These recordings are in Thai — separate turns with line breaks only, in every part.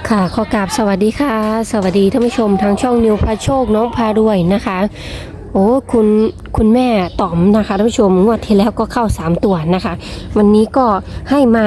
ค่ะขอกราบสวัสดีค่ะสวัสดีท่านผู้ชมทางช่องนิวพาโชคน้องพารวยนะคะโอ้คุณแม่ต๋อมนะคะท่านผู้ชมงวดที่แล้วก็เข้า3ตัวนะคะวันนี้ก็ให้มา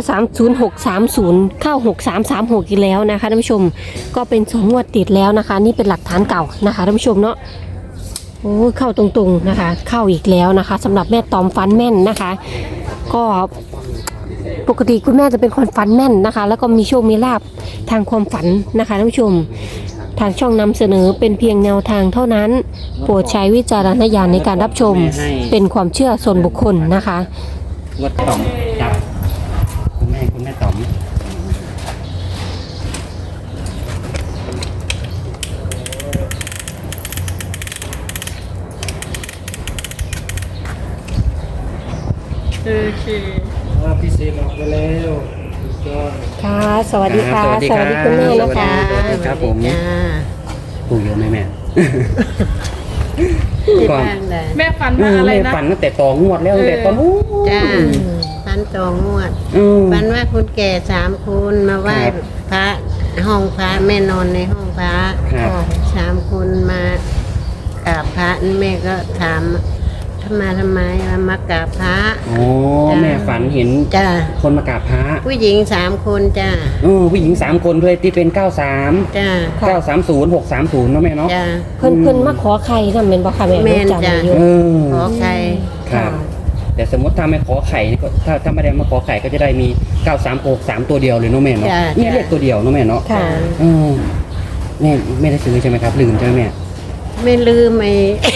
930 630เข้า6336อีกแล้วนะคะท่านผู้ชมก็เป็น2งวดติดแล้วนะคะนี่เป็นหลักฐานเก่านะคะท่านผู้ชมเนาะโอ้เข้าตรงๆนะคะเข้าอีกแล้วนะคะสำหรับแม่ต๋อมฟันแม่นนะคะก็ปกติคุณแม่จะเป็นคนฟันแม่นนะคะแล้วก็มีโชคมีลาภทางความฝันนะคะท่านผู้ชมทางช่องนำเสนอเป็นเพียงแนวทางเท่านั้นโปรดใช้วิจารณญาณในการรับชมเป็นความเชื่อส่วนบุคคลนะคะ
วัดต่อมจับคุณแม่ต่อม
โอเค
ว่าพี่เซนออกไปแล้วก็
ค่ะสวัสดีค่ะสวัสดีคุณแม่นะคะ
สวัสดีครับผมถูกเยอะไหมแม่ ก่อน
แม่ฝันว่าอะไร
แม่
นะ
ฝันตั้งแต่ต่องวดแล้วตั้งแต่ตอนนู้น
จ้าพันตองงวด
อืม
ฝันว่าคุณแก่3คนมาไหว้
ครับ
พระห้องพระแม่นอนในห้องพระ
ครับ
3คนมากราบพระแม่ก็ถามทำไมมากราบพระ
อ๋อแม่ฝันเห็น
จ้า
คนมากราบพระ
ผู้หญิง3คนจ้า
ผู้หญิง3คนด้วยที่เป็น93
จ้า
930 630เนาะแม่เนาะ
จ้า
เพิ่นมาขอใครนะเป็นบ่ค่ะแม่
แม่น
จำ
จ้ะ
ได้อยู่
เออ
ขอใคร
ครับ แต่สมมติถ้าไม่ขอไข่นี่ก็ถ้าไม่ได้มาขอไข่ก็จะได้มี936 3ตัวเดียวเลยเนาะแม่เนาะ
จ้ะ
เนี่ยเลขตัวเดียวเนาะแม่เนาะ
ค่ะ
เออแม่ไม่ได้ซื้อใช่ไหมครับลืมใช่ไหมแม่
ไม่ลืมไอ้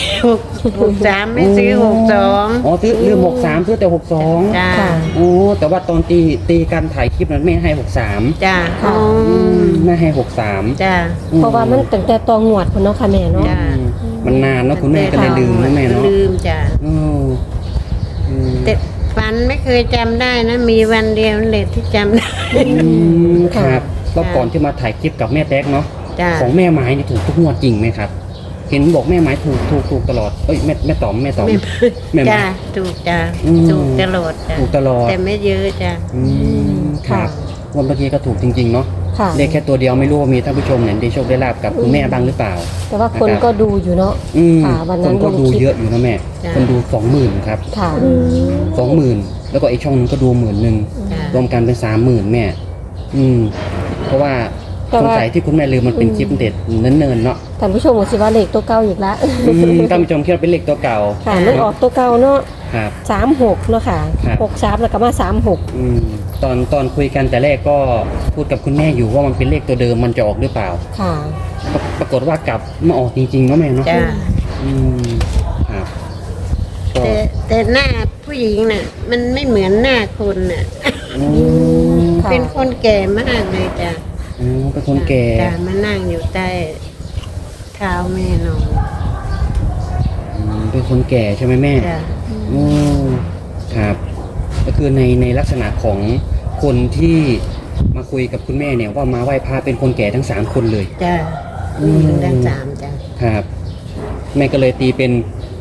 63ไม่ซื้อ62
อ๋อซื้อลืม63ซื้อแต่62
จ้า
ค่ะ
โอ้แต่ว่าตอนตีการถ่ายคลิปนั้นแม่ให้63
จ้า
ค่ะ
แม่ให้63
จ้า
เพราะว่ามันตั้งแต่ตองหวดคุณเนาะค่ะแม่เนาะ
จ้ะ
มันนานเนาะคุณแม่ก็เลยลืมนะแม่เนาะ
ลืมจ้ะ
อืมอืม
แต่ฝันไม่เคยจำได้นะ มีวันเดียวนั่นแหละที่จำได้
ครับรอบก่อนที่มาถ่ายคลิปกับแม่แต๊กเนาะ
จ้ะ
ของแม่ไม้นี่ถูกทุกงวดจริงไหมครับ เห็นบอกแม่ไม้ถูกตลอดเอ้ยแม่ต๋อมแม่ไม้
จ้ะถูกจ้ะ
อืม
ถูกตลอดจ้ะ
ถูกตลอด
แต่ไม่เยอะจ้ะ
อืมครับวันเมื่อกี้ก็ถูกจริงๆเนาะ
ค่ะ
เลขแค่ตัวเดียวไม่รู้ว่ามีท่านผู้ชมเนี่ยได้โชคได้ลาบกับคุณแม่บ้างหรือเปล่า
แต่ว่าคนก็ดูอยู่เนาะ
อืม
ค่ะวันนั้น
คนก็ดูเยอะอยู่นะแม่ คนดู20,000ครับ
ค่ะ
20,000แล้วก็อีกช่องนึงก็ดู10,000
จ้ะ
รวมกันเป็น30,000แม่ อืม เพราะว่า
แต่
สง
ว่า
สัยที่คุณแม่ลืมมันเป็นคลิปเด็ดเนิ่นๆเนาะ
ท่านผู้ชมก็สิว่าเลขตัวเก่าอีกละ
ท่านผู้ชมคิดว่าเป็นเลขตัวเก่า
ค่ะมันออกตัวเก่าเนาะ
ครับ
36เนาะค่ะ
ครับ
63แล้วก็มา36
อืมตอนคุยกันแต่แรกก็พูดกับคุณแม่อยู่ว่ามันเป็นเลขตัวเดิมมันจะออกหรือเปล่า
ค่ะ
ปรากฏว่ากลับมาออกจริงๆเนาะแม่เนาะ
จ้ะ
อืมครับก็
แต่หน้าผู้หญิงน่ะ มันไม่เหมือนหน้าคนน่ะ
อืม
ค่ะ
เป็นคนแก่มากเลยจ้ะ
อ๋อเป็นคนแก่
จ้ะมานั่งอยู่ใต้เท้าแม่นอน
เป็นคนแก่ใช่ไหมแม่
จ้ะ
โอ้ครับ ก็คือในลักษณะของคนที่มาคุยกับคุณแม่เนี่ยว่ามาไหว้พระเป็นคนแก่ทั้ง3คนเลย
จ้ะ
อืม
ด้าน3จ้ะ
ครับ แม่ก็เลยตีเป็น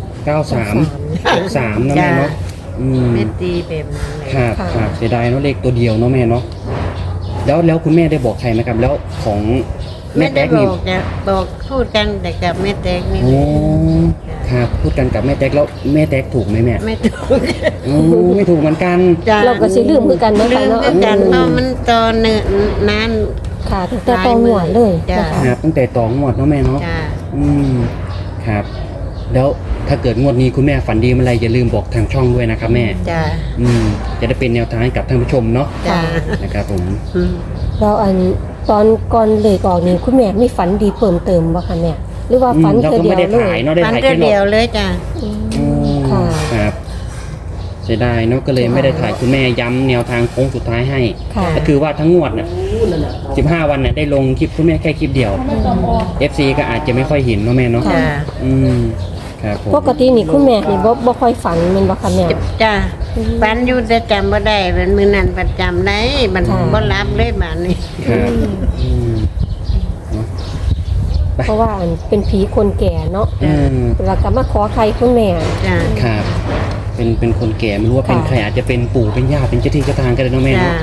93 63นะแม่เนาะอืม
แม่ตีแบบนั้นเลย
ครับ
ค่ะ
ครับเสียดายเนาะเลขตัวเดียวเนาะแม่เนาะแล้วคุณแม่ได้บอกใครไหมครับ แล้วของแม่
ไม่ได้
แต๊ก
บ
นี่
อกจ้ะบอกพูดกันแต่กับแม่แตกนี่
โอ้ครับพูดกันกับแม่แต๊กแล้วแม่แต๊กถูกไหมแม่
ไม่ถูก
โอ้ไม่ถูกเหมือนกัน
จ้ะ
เราก็สิลืมคือกันเนาะ
ลื
ค่ะ
ม
เนาะ
คือกันเพราะมันตอนเนิ่นนาน
ค่ะตั้งแต่ตองหวดเลยนะคะ
ครับตั้งแต่ต่องวดเนาะแม่เนาะ
จ้ะ
อืมครับ แล้วถ้าเกิดงวดนี้คุณแม่ฝันดีเมื่อไรอย่าลืมบอกทางช่องด้วยนะครับแม่
จ้ะ
จะได้เป็นแนวทางให้กับท่านผู้ชมเนาะ
จ้ะ
นะครับผม
อืม
เราตอนก่อนเลขออกนี่คุณแม่มีฝันดีเพิ่มเติมบ่คะแม่หรือว่าฝัน
เรา
เธอ
ก็
เดีย
ไม่
ว
ได้
เล
ถ่าย
ย
เนาะได้
ฟัน
ถ่าย
เดี
แค่
ยวเดียวเลยจ้ะ
ค่ะ
ครับเสียดายเนาะก็เลยไม่ได้ถ่ายคุณแม่ย้ำแนวทางโค้งสุดท้ายให้
ค่ะ
ก็คือว่าทั้งงวดน่ะ15 วันน่ะได้ลงคลิปคุณแม่แค่คลิปเดียว FC ก็อาจจะไม่ค่อยเห็นเนาะแม่เนาะ
จ้ะ
อืมครับผม
ปกตินี่คุณแม่นี่บ่ค่อยฝันแม่นบ่คะแม่
จ้ะฟันอยู่แต่จำบ่ได้เป็นมือนั้นประจำได้มัน
ค่ะ
บ่รับเลยบาดนี้
ครับอืมเนาะ
เพราะว่าเป็นผีคนแก่เนาะ
อืม
แล้วก็มาขอใครคุณแม่
จ้ะ
ครับเป็นคนแก่ไม่รู้ว่าเป็น
ค่ะ
ใครอาจจะเป็นปู่เป็นย่าเป็นเจ้าที่เจ้าทางก็ได้เนาะแม่
จ้ะ
เนาะ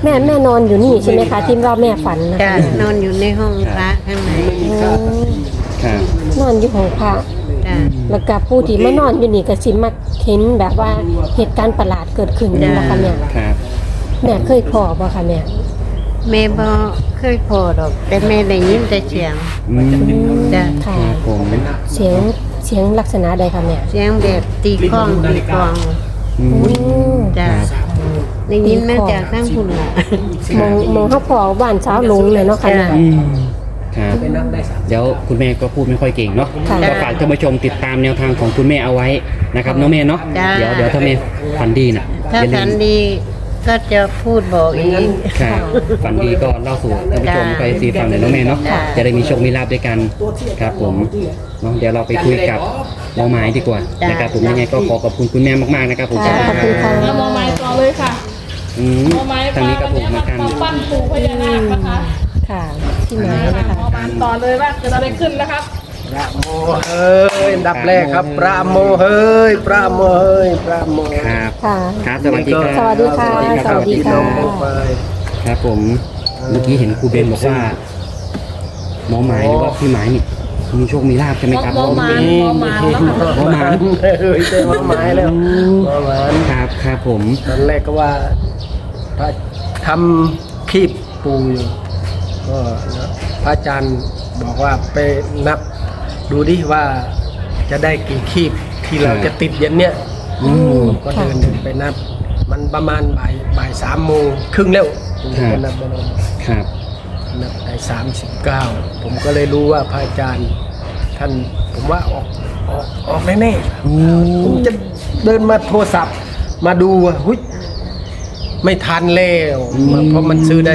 แม่นอนอยู่นี่ใช่ไหมคะที่ว่าแม่ฝันนะ
จ้ะนอนอยู่ในห้องพระข้างใน
ครับ
นอนอยู่ห้องพระ
จ้ะ
แล้วก็ผู้ที่มานอนอยู่นี่ก็สิมักเห็นแบบว่าเหตุการณ์ประหลาดเกิดขึ้นนะคะเนี่ย
ครับ
แม่เคยพอบ่คะแม่
แม่บ่เคยพอดอก แต่แม่ได้ยินแต่เสียง
อืม
จ้ะ
ค่ะ
ครับผม
เสียงลักษณะใดคะแม่
เสียงแบบตีข้องตีกลอง
อืม
จ้ะได้ยินมาจากข้างพุ่นล่ะ
มองเฮาพอบ้านเช้าลงเลยเนาะค่ะเนี่ย
อืมครับเดี๋ยวคุณแม่ก็พูดไม่ค่อยเก่งเนาะ
ค่ะ
ก็ฝากท่านผู้ชมติดตามแนวทางของคุณแม่เอาไว้นะครับน้องแม่เนาะ
จ้า
เดี๋ยวถ้าแม่ฝันดีน่ะ
ถ้า
อย่าลื
ฝัน
ม
ดีก็จะพูดบอกอีก
ครับฝันดีก็เล่าสู่ท่านผู้ชม
จ้า
ไปซีฟังหน่อยน้องแม่เนาะ
จ้า
จะได้มีโชคมีลาภด้วยกันครับผมเนาะเดี๋ยวเราไปคุยกับหมอหมายดีกว่านะครับผมยังไงก็ขอขอบคุณคุณแม่มากๆนะครับผม
ค่ะขอบคุณค่ะ
แล้วมอไม้ต่อเลยค่ะ
อืม
มอไม้
ทางนี้ก็ถูกเหมือนกัน
มาปั้นปู่พญานาคนะคะ
ค่ะที่ไหนนะคะ
มอไม้ต่อเลยว่าเกิดอะไรขึ้นนะครับ
พระโมเฮ้ยอันดับแรกครับพระโมเฮ้ยพระโมเฮ้ยพระโม
ครับ
ค่ะ
ครับสวัสดีครับ
สวัสดีค่ะ
สวัสดีค
ส
รั
วั
บ
สดีค่ะ
ไป
ครับผมเมื่อกี้เห็นครูเบนบอกว่าหมอหมายหรือว่าพี่หมายนี่มีโชคมีลาภใช่ไหมครับ
หมอหมาย
เพระ
หมอหมายแล้วค่ะ
หมอหมาย
เฮ้ยเจ้าหมอหมายแล้วหมอหมาย
ครับครับผม
ตอนแรกก็ว่าพระทำคีบปูอยู่ก็นะพระอาจารย์บอกว่าไปนับดูดิว่าจะได้กี่คีบที่เราจะติดเย็นเนี้ย
อืม
ก็เดินไปนับ มันประมาณบ่าย3 โมงครึ่งแล้วผมจะไปนับไปนับ
ครับ
นับได้39ผมก็เลยรู้ว่าพระอาจารย์ท่านผมว่าออกแน่ๆ
อืม
ผมจะเดินมาโทรศัพท์มาดูว่าหุ้ยไม่ทันแล้วเพราะมันซื้อได้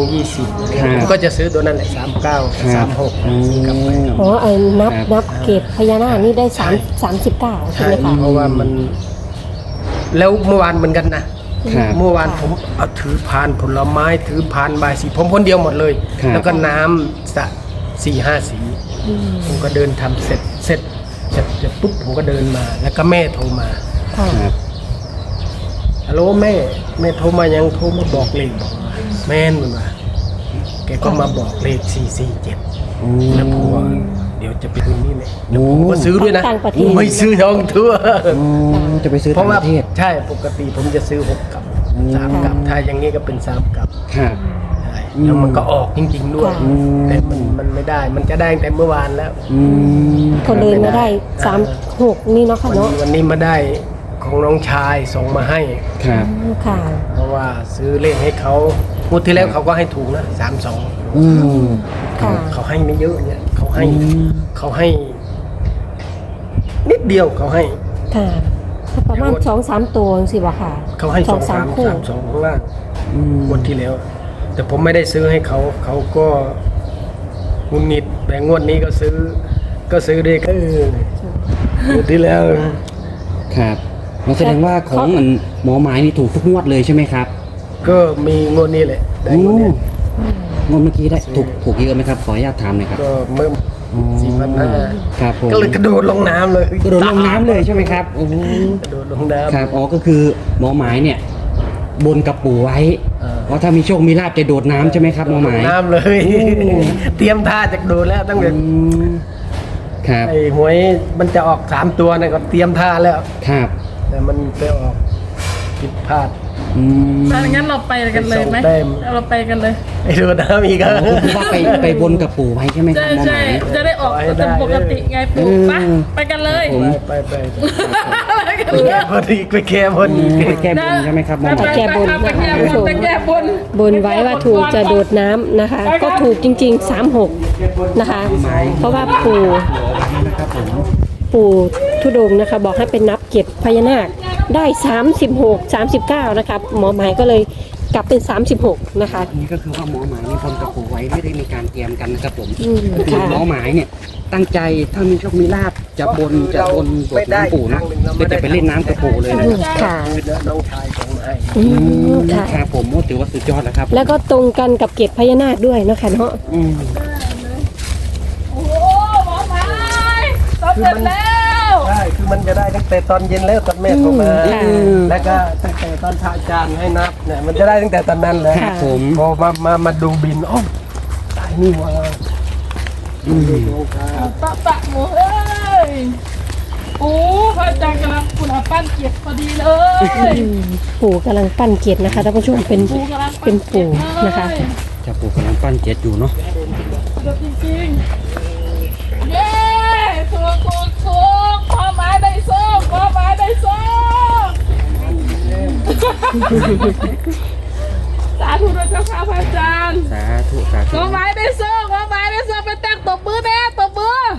3:20ผมก็จะซื้อตัวนั้นแหละ39 36กลับไป
อ๋อไอ้นับเก็บพญานาคนี่ได้39ใช่
ใช่
ไหมคะ
เพราะว่ามัน แล้วเมื่อวานเหมือนกันนะครับ เมื่อวานผมเอาถือพานผลไม้ถือพานใบายสีผมคนเดียวหมดเลย
ครับ
แล้วก็น้ำสะ4-5 สีผมก็เดินทำเสร็จปุ๊บผมก็เดินมา แล้วก็แม่โทรมา
ค่ะ
ครับ
ฮัลโหลแม่โทรมายังโทรมาบอกเลขบอกว่าแม่นมันว่าแกก็มาบอกเลข447
อืม
แล้วผมว่าเดี๋ยวจะไปคืนนี่เลย
โอ้
ผมก็ซื้อด้วยนะ
ต่างประเทศ
ไม่ซื้อทองทั่ว
อืมจะไปซื้อ
เพ
ต่า
ราะ
ง
ว่า
ประเทศ
ใช่ปกติผมจะซื้อ6 กับ 3 กับถ้าอย่างนี้ก็เป็น3 กับ
ครับ
ใช่แล้วมันก็ออกจริงๆด้วย
อื
ม
แต่มันไม่ได้มันจะได้ตั้งแต่เมื่อวานแล้ว
อืม
คนเดินมาได้36นี่เนาะค่ะเนาะ
วันนี้มาได้ของน้องชายส่งมาให้
ครับ
ค่ะ
เพราะว่าซื้อเลขให้เขางวดที่แล้วเขาก็ให้ถูกนะ32
อืม
ค่ะ
เขาให้ไม่เยอะเนี่ยเขาให้
อืม
เขาให้ นิดเดียวเขาให้
ค่ะประมาณ2-3ตัวสิบ่ค่ะ
เขาให้
2-3
2-3
คู่
3-2ข้างล่าง
อืม
งวดที่แล้ว แต่ผมไม่ได้ซื้อให้เขาเขาก็งุนงิดแต่งวดนี้ก็ซื้อด้วยกันงวดที่แล้ว
ครับมันแสดงว่าของมันหมอหมายนี่ถูกทุกงวดเลยใช่ไหมครับ
ก็มีงวดนี้แหละได้งวดนี้
งวดเมื่อกี้ได้ถูกเยอะไหมครับขออนุญาตถามหน่อยครับ
ก็เมื่อ
อ๋อครับผม
4,500ก็เลยกระโดดลงน้ำเลย
กระโดดลงน้ำเลยใช่ไหมครับโอ้โห
กระโดดลงน้ำ
ครับอ๋อก็คือหมอหมายเนี่ย บนกับปู่ไว้ ว่าถ้ามีโชคมีลาภจะโดดน้ำใช่ไหมครับหมอหมาย
น้ำเลย เตรียมท่าจะโดดแล้วตั้งแต่
อืมครับ
ไอ้หวยมันจะออก3 ตัวนะก็เตรียมท่าแล้ว
ครับ
แต่มันไปออกผิดพลาด
อืม
ถ้าอย่างนั้นเราไปกันเลยไหม
ส่งแต้ม
เราไปกันเลย
ไอ้โดดน้ำอีก
อ๋อก็คือว่าไปบนกับปู่ไว้ใช่ไหมครั
ใช่
บหมอห
ใช่
มาย
จะได้ออกตามปกติไงปู่ไปไปกันเลย
ผม
ไป
ไปกัน
ไป
เลย
แก้บนอีกไปแก้บนอีก
ไปแก้บนใช่ไหมครับหมอห
ไป
มาย
แก้บน
ไปแก้บนไปแก้บน
บนไว้ว่าถูกจะโดดน้ำนะคะ ก็ถูกจริงๆ36นะคะ เพราะว่าปู่ทุดงค์นะคะ บอกให้เป็นนับเก็บพญานาคได้36 39นะคะหมอหมายก็เลยกลับเป็น36นะคะ
นี่ก็คือว่าหมอหมายนี่บนกับปู่ไว้ไม่ได้มีการเตรียมกันนะครับผม
อืม
ก็คือ
ค่ะ
หมอหมายเนี่ยตั้งใจถ้ามีโชคมีลาภจะบนโดดน้ำปู่นะก็จะไปเล่นน้ำกับปู่เลยนะ
อืมค่ะ
น้องชายส่งมาให้
อืมค่ะ
ครับผมโอ้ถือว่าสุดยอดแล้วครับ
แล้วก็ตรงกันกับเกศพญานาคด้วยนะคะเนาะ
อืม
โอ้โหหมอไม้สำเร็จแล้ว
ใช่คือมันจะได้ตั้งแต่ตอนเย็นแล้วตอนแม่โทรมา
ค่ะ
แล้วก็ตั้งแต่ตอนพระอาจารย์ให้นับเนี่ยมันจะได้ตั้งแต่ตอนนั้นเลย
ครับผม
พอมาดูบินอ๋อตายนี่ว่า
ตะหมูเอ้ยโอ้พระอาจารย์กำลังคุณอาปั้นเกียรติพอดีเลย
ปู่กำลังปั้นเกศนะคะท่านผู้ชมเป็น
ปูกำลัง
เป็นปู่นะคะ
เจ้าปู่กำลังปั้นเจ็ดอยู่เนาะ
เดี๋ยวจริงๆเย้ถูกขอไม้ได้ส้มขอไม้ได้ส้มสาธุด้วยเจ้าค่ะพระอาจารย์
สาธุสาธุ
ขอไม้ได้ส้มไปแต่งตบมือแน่ตบมือ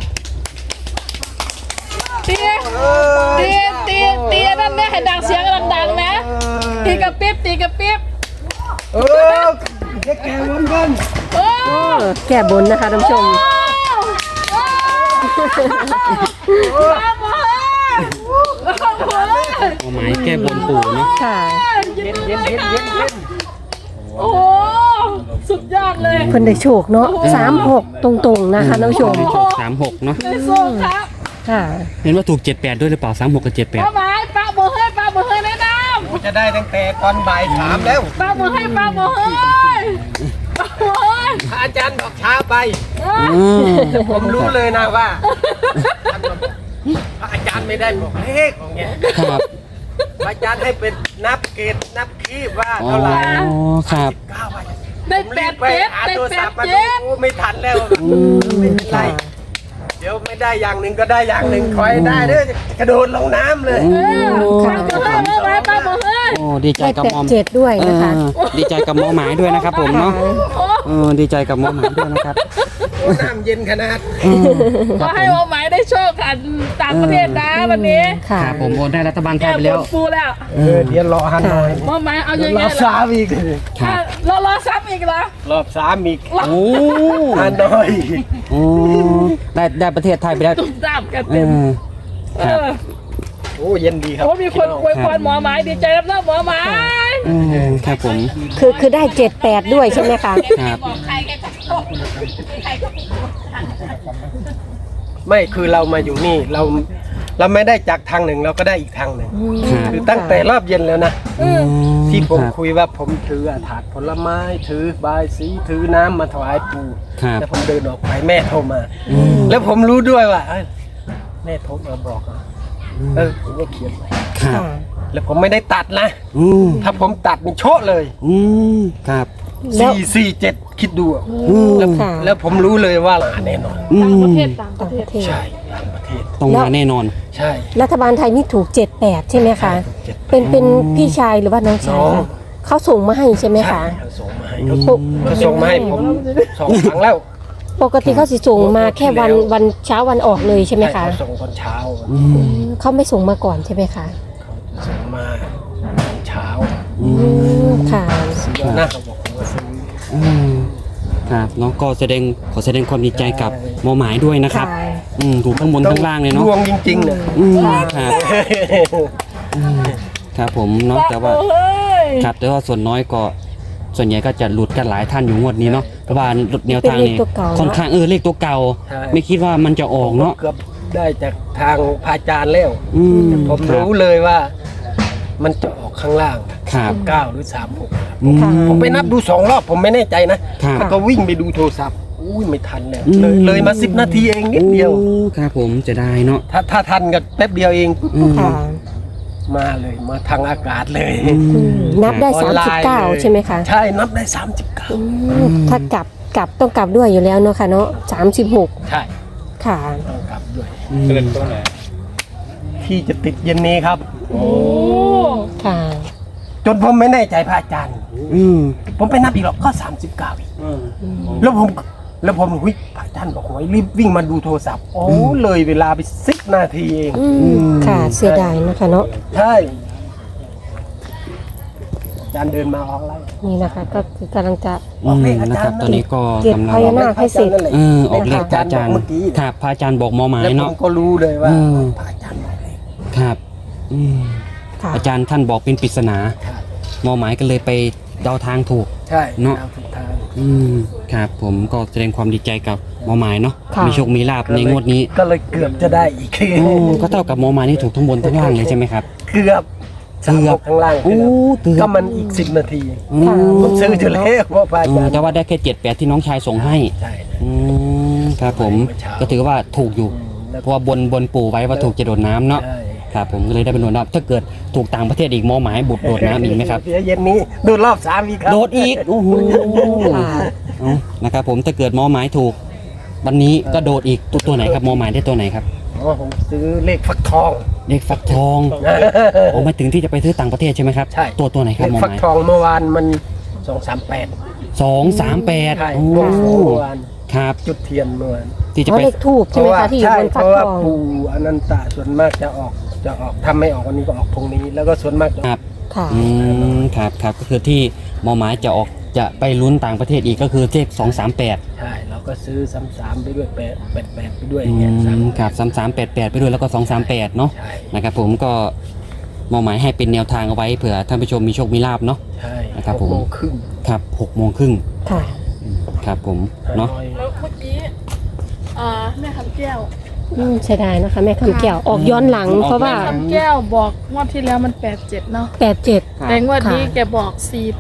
ตีนั่นแม่ให้ดังเสียงดังๆนะตีกระปิ๊บ
เออแกวนกัน
โอ้
แก้บนนะคะท่านผู้ชม
มาหมดเลย
เอาไม้แก้บนปู่เนาะ
ค่ะ
ยินดีด้วยค่ะโอ้โหสุดยอดเลย
เพิ่นได้โชคเนาะ36ตรงๆนะคะท่านผู้ชม
โชค36เนาะ
ได้ส้มครับ
ค่ะ
เห็นว่าถูก78ด้วยหรือเปล่า36กับ
ป้าไม้ป้ามือให้แนะน
จะได้ตั้งแต่ตอนบ่ายสามแล้ว
ำป้ามือให้ป้ามือให้
พระอาจารย์บอกช้าไป
78อืม
ผมรู้เลยนะว่าพระอาจารย์ไม่ได้บอกเลขอย่างเงี้ย
ครับ
พระอาจารย์ให้เป็นนับเกตนับคีบว่า
อ๋อ
เท่าไหร่
ครับ
ก้าวไป
ได้
ผม
แป
รี
ด
บไป
เจ็ด
หา
ได้
โทร
แป
ศั
ด
พท์มา
เจ็ด
ดูไม่ทันแล้วไม่เป็นไรเดี๋ยวไม่ได้อย่างหนึ่งก็ได้อย่างหนึ่งคอยได้เด้อกระโดดลงน้ำเลย
ป้ามือให้ป้ามือให้
โอ้ดีใจ
ได้
กับมอม
87ด้วยนะคะ
ดีใจกับหมอหมายด้วยนะครับผมเนาะดีใจกับหมอหมายด้วยนะครับ
โอ้น้ำเย็นขนาด
ขอให้วงหมายได้โชคกันต่างประเทศนะวันนี้
ค่ะ
ครับผมโอนได้รัฐบาลไท
แก้
ยไป
บ
แล้ว
นปูแล้ว
เดี๋ยวรอฮันหน่อยว
งหมายเอา
เดี๋ย
ยั
ว
ง
ร
ไง
อ
ล่ะ
สามอีก
รอซ้ำอีกเหรอ
รอบสามอีก
โอ้
ฮันหน่อย
โอ้ได้ประเทศไทยไปแล้ว
ตุ้มตามกัน
เอ
เต็ม
อครับ
โอ้เย็นดีครับ
โอ้มีคนอวยพรหมอหมายดีใจรับหน้าหมอหมาย
ครับผม
คือได้78ด้วยใช่ไหมคะ
ครับ
บอกใครแกจะโชคใครก็
ไม่คือเรามาอยู่นี่เราไม่ได้จากทางหนึ่งเราก็ได้อีกทางหนึ่ง
ครับ
คือตั้งแต่รอบเย็นแล้วนะที่ผม
ครับ
คุยว่าผมถือถาดผลไม้ถือบายสีถือน้ำมาถวายปู่
ครับ
แล้วผมเดินออกไปแม่โทรมา แล้วผมรู้ด้วยว่าเอ้ยแม่โทรมาบอกอ่ะผมก็เขียนไว้
ครับ
แล้วผมไม่ได้ตัดนะ
อืม
ถ้าผมตัดมันโชะเลย
อืมครับ
แล้ว
447คิดดูอะ
ค่ะ
แล้วผมรู้เลยว่าแน่นอน
อืม
ต่างประเทศ
ต่างประเทศ
ใช่ต่างประเทศ
ต้องมาแน่นอน
ใช่
รัฐบาลไทยนี่ถูก78ใช่ไหมคะ เป็นพี่ชายหรือว่าน้องชายคะเขาส่งมาให้ใช่ไหมคะ
เขาส่งมาให้เขาส่งมาให้ผม2 ครั้งแล้ว
ปกติเขาสิส่งมาแค่วันเช้าวันออกเลยใช่ไหมคะ
เขาส่งตอนเช้า
เขาไม่ส่งมาก่อนใช่ไหมคะ
เขาส่งมาตอนเช้า
ค่ะ
ซื้อหน้าเขาบอกผมว่าซื้อ
ครับเนาะก็ขอแสดงความดีใจกับหมอหมายด้วยนะครับ
ค่ะ
ถูกข้างบนข้างล่างเลยเนาะ
ดวงจริงๆเนี่ย
ครับครับผมเนาะแต่ว่า
เฮ้ย
ครับแต่ว่าส่วนน้อยก็ส่วนใหญ่ก็จะหลุดกันหลายท่านอยู่งวดนี้เนาะเพราะว่าแนวทางนี้
เป็นเลขตัวเก่าเนอะ
ค่อนข้างเลขตัวเก่า ไม่คิดว่ามันจะออกเนาะ
เกือบได้จากทางพระอาจารย์แล้ว ผม
คบ
รู้เลยว่า มันจะออกข้างล่าง
ครับ
9หรือ36
อืม
ผมไปนับดู2 รอบผมไม่แน่ใจนะครับ แล้วก็วิ่งไปดูโทรศัพท์อุ้ยไม่ทันแล้ว
อืม
เลยมา10 นาทีเองนิดเดียว
โอ้ครับผมจะได้เนาะ
ถ้าทันก็แป๊บเดียวเอง
ค่ะ
มาเลยมาทางอากาศเลย
นับได้
ออนไลน์เลย
39ใช่ไหมคะ
ใช่นับได้
ถ้ากลับต้องกลับด้วยอยู่แล้วเนาะค่ะเนาะ36
39 ใช่
ค่ะ
ต้องกลับด้วย
เกินตัวไหน
ที่จะติดเย็นนี้ครับ
โอ้
ค่ะ
จนผมไม่แน่ใจพระอาจารย์ ผมไปนับอีกรอบก็39อีกแล้วผมหุ้ยพระอาจารย์บอกไว้รีบวิ่งมาดูโทรศัพท์โอ้เลยเวลาไป10 นาทีเอง
ค่ะเสียดายนะคะเนาะ
ใช่อาจารย์เดินมาออกไล่
นี่นะคะก็คือกำลังจะ
นะครับตอนนี้ก็
เก็บ
กำลั
พ
ง
ญานาคให้เสร็จ
ออกเลขพระอาจารย์ครับพระอาจารย์บอกหมอหมาย
แล้วผ
เนาะ
มก็รู้เลยว่า
อืม
พระอาจารย์บอกเลย
ครับ
ค่ะ
อาจารย์ท่านบอกเป็นปริศนา
ใช่
หมอหมายก็เลยไปเดาทางถูก
ใช่
เนอะ
ตามสุดทาง
ครับผมก็แสดงความดีใจกับหมอหมายเนาะ
ค่ะ
มีโชคมีลาบในงวดนี้
ก็เลยเกือบจะได้อีก
โอ้ก็เท่ากับหมอหมายนี่ถูกทั้งบนทั้งล่างเลยใช่ไหมครับ
เกือบสามหกข้างล่าง
โอ้เกือบ
ก็มันอีก10 นาที
อืม
ผมซื้ออยู่แล้วเพราะพระอาจารย์
แต่ว่าได้แค่7-8ที่น้องชายส่งให้
ใช่
ครับผมก็ถือว่าถูกอยู่
แล้ว
เพราะว่าบนปู่ไว้ว่าถูกจะโดดน้ำเนาะ
ใช่
ครับผมก็เลยได้เป็นโดดน้ำถ้าเกิดถูกต่างประเทศอีกหมอหมายบุดโดดน้ำอีกไหมครับ
เดี๋ยวเย็นนี้โดดรอบ3อีกครับ
โดดอีกโอ้โห
ค่ะ
เอานะครับผมถ้าเกิดหมอหมายถูก วันนี้ก็โดดอีกตัวไหนครับหมอหมายได้ตัวไหนครับ
อ๋อผมซื้อเลขฟักทอง
เลขฟักทองโอ้หมายถึงที่จะไปซื้อต่างประเทศใช่ไหมครับ
ใช่
ตัวไหนค
เล
รับห
ข
มอ
ฟั
ห
ก
มาย
ทองเมื่อวานมัน238
238
ใช่
โอ้
เมื่อวาน
ครับ
จุดเทียนเมื่อวาน
ที่จะ
อ๋อ
ไป
เลขทูบใช่ไหมคะที่อยู่บน
เพ
ฟัก
ราะว่า
ทอง
ปู่อนันตะส่วนมากจะออกทำไม่ออกวันนี้ก็ออกตรงนี้ แล้วก็ส่วนมากจะ
ครับ
ค่ะ
ครับก็คือที่หมอหมายจะไปลุ้นต่างประเทศอีกก็คือเลข238
ใช่เราก็ซื้อ3ไปด้วย88ไปด้วยอย่างเงี้ย
ครับ3388ไปด้วยแล้วก็238เนาะ
ใช่
นะครับผมก็หมอหมายให้เป็นแนวทางเอาไว้เผื่อท่านผู้ชมมีโชคมีลาบเนาะ
ใช่
นะครับผม
6 โมงครึ่ง
ครับ6:30
ค่ะ
ครับผมเนาะ
แล้วเมื่อกี้แม่คำแก้ว
เสียดายนะคะ แม่คำแก้วออกย้อนหลัง เพราะว่า
แม่คำแก้วบอกงวดที่แล้วมัน87เนาะ
87
แต่งวดนี้
ค่ะ
แกบอก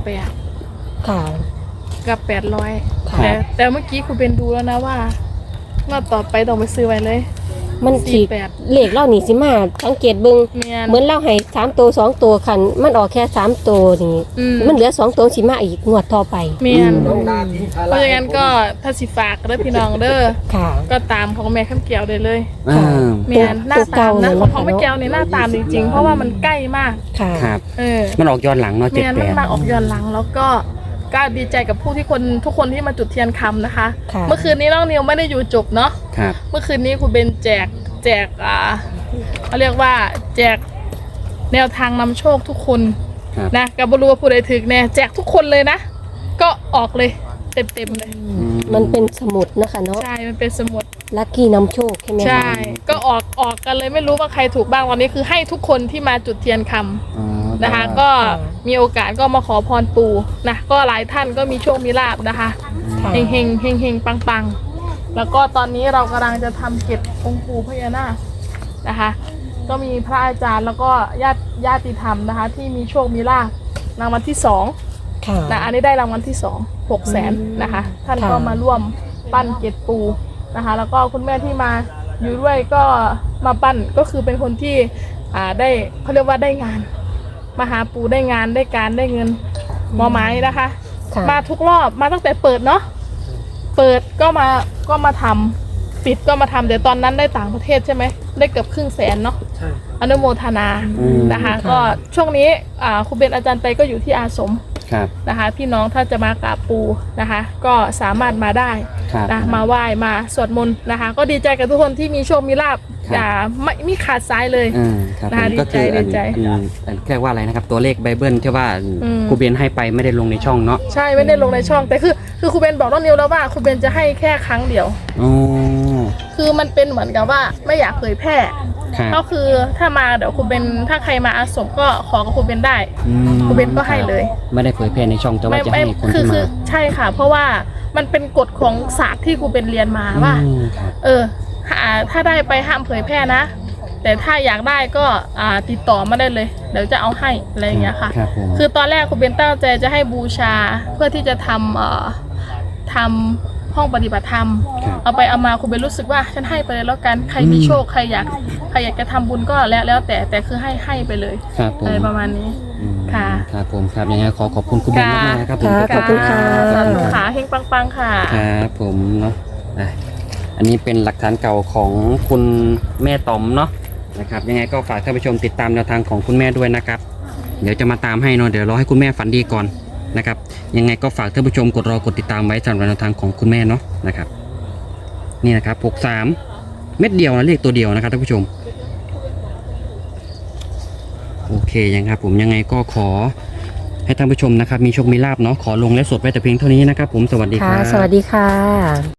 48
ค่ะ
กับ800
ค่ะ
แต่เมื่อกี้คุณเป็นดูแล้วนะว่างวดต่อไปต้องไปซื้อไว้เลย
มันสิ
48
เลขเล่านี่สิมาสังเกตเบิ่ง
เมียน
เหมือนเล่าให้3 ตัว2 ตัวคันมันออกแค่3 ตัวนี่
อืม
มันเหลือ2 ตัวสิมาอีกงวดต่อไป
เมียน
น้องดาทิ้งภา
เพ
ระ
ราะฉะนั้นก็ถ้าสิฝากเด้อพี่น้องเด้อ
ค่ะ
ก็ตามของแม่คำแก้วได้เลย
อ่า
เมียนหน้าตามนะ
ตัวเก่าเลย
ของแม่แก้วเนี่ยหน้าตามจริงๆ เพราะว่ามันใกล้มาก
ค่ะ
ครับ
เออ
มันออกย้อนหลังเนาะ
เมียนมันมา
78
ออกย้อนหลังแล้วก็ดีใจกับผู้ที่ทุกคนที่มาจุดเทียนคำนะคะ
ค่ะ
เมื่อคืนนี้น้องนิวไม่ได้อยู่จบเนาะ
ครับ
เมื่อคืนนี้คุณเบนแจกเขาเรียกว่าแจกแนวทางนำโชคทุกคน
ครับ
นะกับบรู้ว่าผู้ใดถึกแน่แจกทุกคนเลยนะ ก็ออกเลยเต็มเลย
มันเป็นสมุดนะคะเนาะ
ใช่มันเป็นสมุด
ลัคกี้นำโชคใช่ไหมคะ
ใช่ ก็ออกกันเลยไม่รู้ว่าใครถูกบ้างวันนี้คือให้ทุกคนที่มาจุดเทียนคำ
อ๋อ
นะคะ ก็มีโอกาสก็มาขอพรปู่นะก็หลายท่านก็มีโชคมีลาบนะคะ
ค่ะ
เฮงเฮงเฮงเฮงปังปังแล้วก็ตอนนี้เรากำลังจะทำเก็บองค์ปู่พญานาคนะคะ ก็มีพระอาจารย์แล้วก็ญาติธรรมนะคะ ที่มีโชคมีลาบรางวัลที่2
ค่ะ
นะอันนี้ได้รางวัลที่2 600,000นะคะ ท่านก็มาร่วมปั้นเกตปูนะคะ แล้วก็คุณแม่ที่มาอยู่ด้วยก็มาปั้นก็คือเป็นคนที่ได้เขาเรียกว่าได้งาน มาหาปูได้งานได้การได้เงินหมอไม้นะคะ
ค่ะ
มาทุกรอบมาตั้งแต่เปิดเนาะเปิดก็มาทำปิดก็มาทำเดี๋ยวตอนนั้นได้ต่างประเทศใช่ไหมได้เกือบ500,000เนาะ
ใช่
อนุโมทนานะคะ ก็ช่วงนี้ครูเบนอาจารย์ไปก็อยู่ที่อาสม
ครับ
นะคะพี่น้องถ้าจะมากราบปูนะคะ ก็สามารถมาได้
ครับ
นะมาไหว้มาสวดมนต์นะคะ ก็ดีใจกับทุกคนที่มีโชคมีลาบ
ครับ
อย่าไม่ขาดสายเลย
ครับ
น่า
ผมก็คือ
ดีใจ
เรียกว่าอะไรนะครับ ตัวเลขไบเบิลที่ว่า
อืม
ครูเบนให้ไปไม่ได้ลงในช่องเนาะ
ใช่ไม่ได้ลงในช่องแต่คือครูเบนบอกน้องนิวแล้วว่าครูเบนจะให้แค่ครั้งเดียว
อ๋อ
คือมันเป็นเหมือนกับว่าไม่อยากเผยแพร่
ครับ
ก็คือถ้ามาเดี๋ยวครูเบนถ้าใครมาอาสมก็ขอกับครูเบนได้
อืม
ครูเบนก็ให้เลย
ไม่ได้เผยแพร่ในช่องแต่ว่าจะให้คน
คื
ที่
คื
มา
ใช่ค่ะ เพราะว่ามันเป็นกฎของศาสตร์ที่ครูเบนเรียนมาว่า
ครับ
ถ้าได้ไปห้ามเผยแพร่นะ แต่ถ้าอยากได้ก็ติดต่อมาได้เลย เดี๋ยวจะเอาให้อะไรอย่างเงี้ยค่ะ
ครับผม
คือตอนแรกครูเบนตั้งใจจะให้บูชาเพื่อที่จะทำห้องปฏิบัติธรรม
ครับ
เอาไปเอามาครูเบนรู้สึกว่าฉันให้ไปเลยแล้วกันใครมีโชคใครอยากจะทำบุญก็แล้วแต่คือให้ไปเลย
ครับผม
อะไรประมาณนี้
อืม
ค่ะ
ครับผมครับยังไงขอบคุณครูเบนมากๆนะครับผม
ค่ะขอบคุณค่ะ
สาธุขาเฮงปังๆค่ะ
ครับผมเนาะอันนี้เป็นหลักฐานเก่าของคุณแม่ต๋อมเนาะนะครับยังไงก็ฝากท่านผู้ชมติดตามแนวทางของคุณแม่ด้วยนะครับ เดี๋ยวจะมาตามให้เนาะเดี๋ยวรอให้คุณแม่ฝันดีก่อนนะครับยังไงก็ฝากท่านผู้ชมกดติดตามไว้สำหรับแนวทางของคุณแม่เนาะนะครับนี่นะครับ63เม็ดเดียวนะเลขตัวเดียวนะครับท่านผู้ชมโอเคยังครับผมยังไงก็ขอให้ท่านผู้ชมนะครับมีโชคมีลาภเนาะขอลงและสดไว้แต่เพียงเท่านี้นะครับผมสวัสดีค
ค่ะ
รับ
สวัสดีค่ะ